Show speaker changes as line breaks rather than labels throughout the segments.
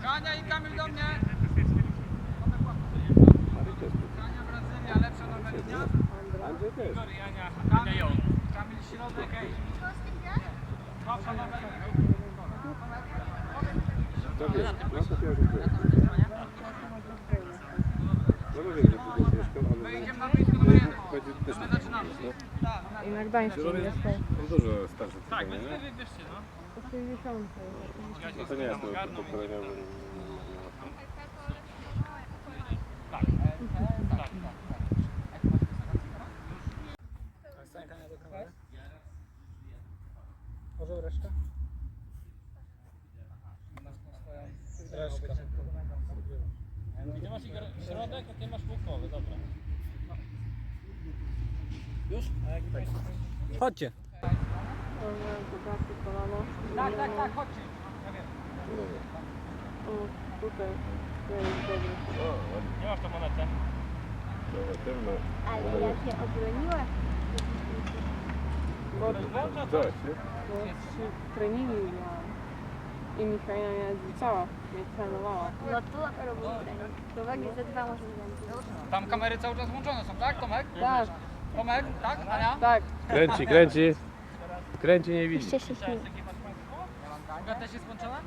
Kania i Kamil do mnie. Kania Brazylia, lepsza nowa linia.
Andrzej też.
Kamil środek, ej. Słabsza nowa linia.
To wiesz, no to pierwszy dzień. No bo wiem, że tu jest mieszkał, ale...
My idziemy na boisko numer 1.
Też
My zaczynamy.
I na Gdańsku jestem.
On dużo starszy
Tak,
tutaj,
więc
nie?
wy wybierzcie, no.
Po 60.
No to nie jest to pokoleniowe.
Tak. Tak.
Może resztę? Resztę.
I ty masz Igor środek, a ty masz półkowy, dobra. Już? A jaki to jest?
Chodźcie.
Kolano.
Tak, chodźcie. Ja wiem.
O, tutaj. To jest dobry.
Nie masz tą monetę.
Ale ja się obroniłam.
Bo
Coś, nie?
3 treningi miałam. I Michaela mnie zliczała, mnie trenowała.
No tu robił trening. To wagi ze 2 może będzie.
Tam kamery cały czas włączone są, tak Tomek?
Tak,
Tomek, tak? Ania?
tak.
Kręci, kręci. Kręci, nie widzi.
Jeszcze się śmieje.
Druga też jest włączona?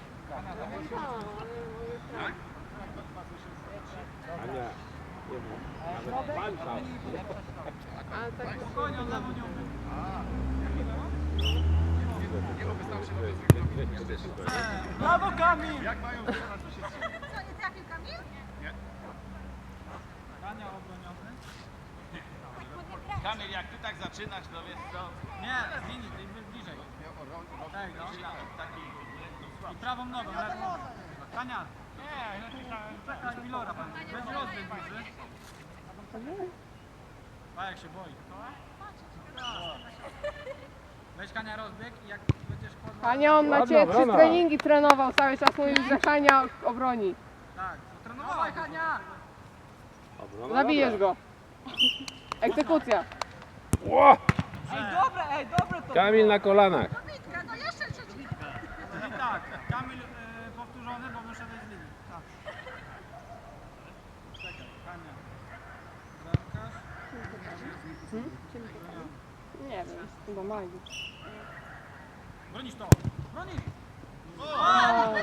Ania, nie wiem. Nawet walka.
A tak
Spokojnie, on lewo nie umie. Brawo Kamil!
Co, nie trafił Kamil?
Kania obroniony.
Kamil, jak ty tak zaczynasz, to wiesz co?
Nie, z linii, tej bliżej. Tak, no. I prawą nogą, lewą. Kania. Czekaj, Milora pan. Będzie rozbieg duży. A jak się boi. Weź Kania rozbieg i jak będziesz kładła...
Hania, on na ciebie 3 treningi trenował, cały czas mówił, że Hania obroni.
Tak, to trenowała Kania!
Zabijesz go. Egzekucja.
Ło!
Ej, dobre to
Kamil na kolanach.
Bitka, no jeszcze trzeci.
I tak, Kamil powtórzony, bo wyszedł z linii. Tak. Czekaj, Kania. Bramkarz.
Nie wiem, chyba Magdy.
Bronisz to! Bronisz!
O,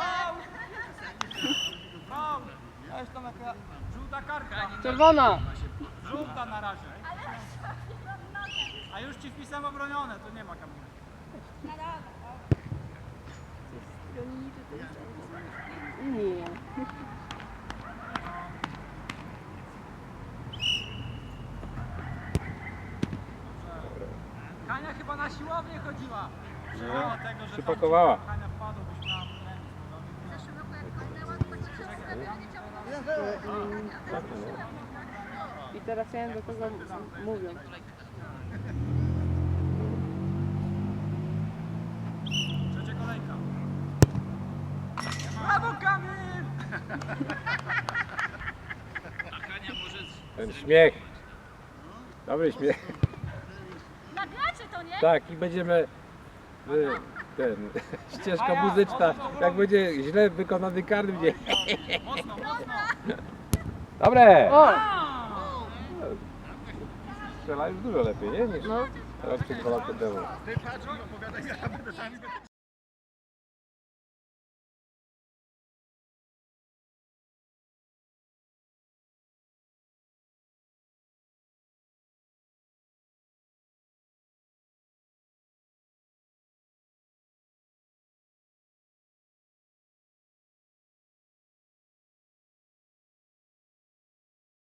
Faul! Weź tam jaka żółta kartka.
czerwona.
Żółta na razie. A już ci wpisałem obronione, to nie ma Kamila.
Nie.
Kania chyba na siłownię chodziła. Mało tego, że
Przypakowała.
Kania wpadła, byś miała remis.
W zeszłym roku jak kończyła, to ci się ustawienie ciągnęło.
I teraz ja wiem, do kogo mówią.
Trzecia kolejka. Brawo Kamil!
Ten śmiech. Dobry śmiech.
Nagracie to, nie?
Tak, i będziemy... ścieżka muzyczna. Jak będzie źle wykonany karny, będzie...
Mocno, mocno.
Dobre!
O!
Strzela już dużo lepiej, nie? Niż
No.
teraz przed 2 lata temu.